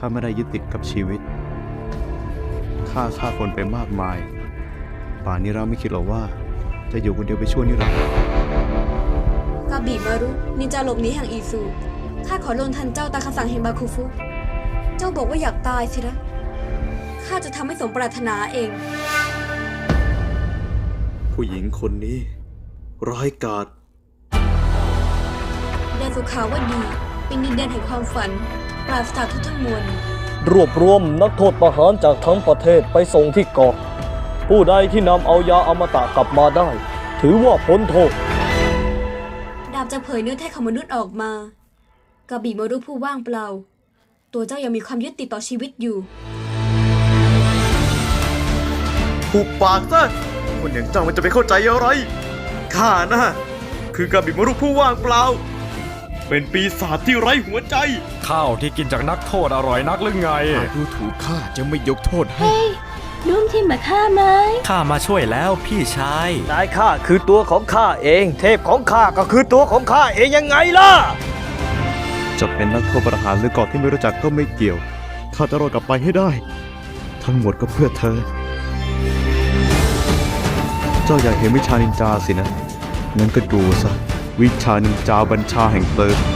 ข้าไม่ได้ยึดติดกับชีวิตข้าฆ่าคนไปมากมายป่านนี้เราไม่คิดหรอกว่าจะอยู่คนเดียวไปชั่วนิรันดร์กาบิมารุนินจาหลบหนีแห่งอีซูข้าขอลงทันเจ้าตามคำสั่งแห่งบาคุฟุ เจ้าบอกว่าอยากตายสินะข้าจะทำให้สมปรารถนาเองผู้หญิงคนนี้ร้ายกาจแดนสุขาวดีเป็นดินแดนแห่งความฝันปราศจากทุกทั้งมวลรวบรวมนักโทษประหารจากทั้งประเทศไปส่งที่เกาะผู้ใดที่นำเอายาอมตะกลับมาได้ ถือว่าพ้นโทษดาบจะเผยเนื้อแท้ของมนุษย์ออกมากาบิมารุผู้ว่างเปล่า ตัวเจ้ายังมีความยึดติดต่อชีวิตอยู่ผูกปากซะคนอย่างเจ้ามันจะไปเข้าใจอะไรข้านะคือกาบิมารุผู้ว่างเปล่าเป็นปีศาจที่ไร้หัวใจข้าวที่กินจากนักโทษอร่อยนักหรือไงหากดูถูกข้าจะไม่ยกโทษให้ร่วมทีมกับข้าไหมข้ามาช่วยแล้วพี่ชายนายข้าคือตัวของข้าเอง เทพของข้าก็คือตัวของข้าเองยังไงล่ะจะเป็นนักโทษประหารหรือเกาะที่ไม่รู้จักก็ไม่เกี่ยวข้าจะรอดกลับไปให้ได้ ทั้งหมดก็เพื่อเธอ เจ้าอยากเห็นวิชานินจาสินะงั้นก็ดูซะวิชานินจาบัญชาแห่งเพลิง